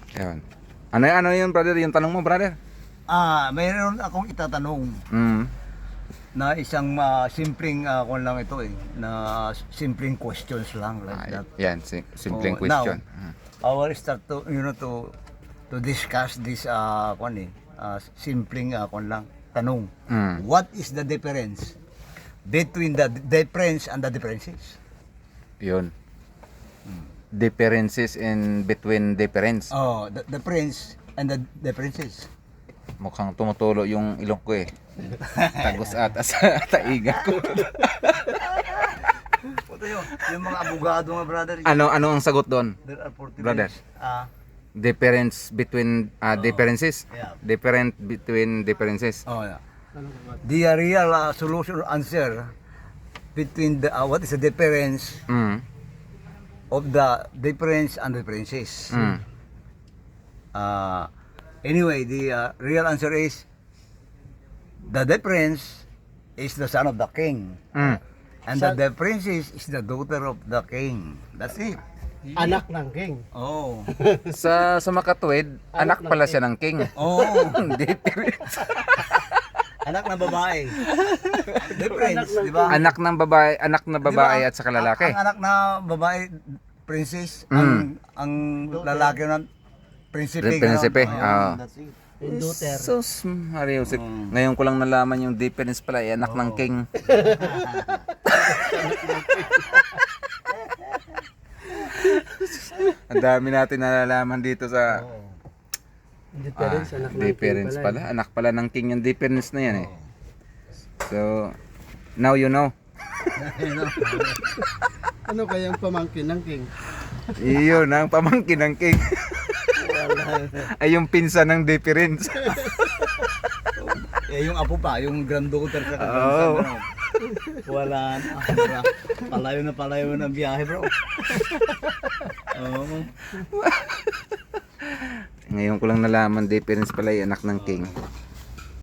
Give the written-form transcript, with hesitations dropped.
Ayun. Ano yun, brother? Yung tanong mo, brother? Mayroon akong itatanong Mm. na isang simpleng kung lang ito na simpleng questions lang like that. Yan, simpleng Oh, question. now, I will start to to discuss this simpleng kung lang tanong. Mm. What is the difference between the difference and the differences? Yun. Differences in between difference. Oh, the difference and the differences. Mukhang tumutulo yung ilong ko eh. Tagos ata sa taiga ko. Ito yung mga abogado mga brother. Ano ang sagot doon? There are 40 Brother. days. Difference between differences. Yeah. Different between differences. Oh, yeah. The real solution or answer between the what is the difference Mm. of the difference and differences. Mm. Anyway, the real answer is the difference is the son of the king, Mm. and the differences is the daughter of the king. That's it. Anak ng king. Oh, Sa makatuwid, anak pala siya ng king. oh, Difference. anak na babae. Difference, di ba? Anak na babae at saka lalaki. Ang anak na babae, princess, Mm. ang lalaki na prinsipe. Prinsipe, ganon. oo. Ayun, that's it. Yung daughter. Sus, Mario, ngayon ko lang nalaman yung difference pala, anak ng king. Ang dami natin nalalaman dito sa Difference, anak ng difference king pala. Anak pala ng king yung difference na yan eh. So, now you know. Ano kaya ang pamangkin ng king? Iyon ang pamangkin ng king. Ay yung pinsan ng difference. Yung apo pa, yung granddaughter sa Oo. grandson. Wala na. Palayo na biyahe, bro. Oo. Ngayon ko lang nalaman difference pala yung anak ng king.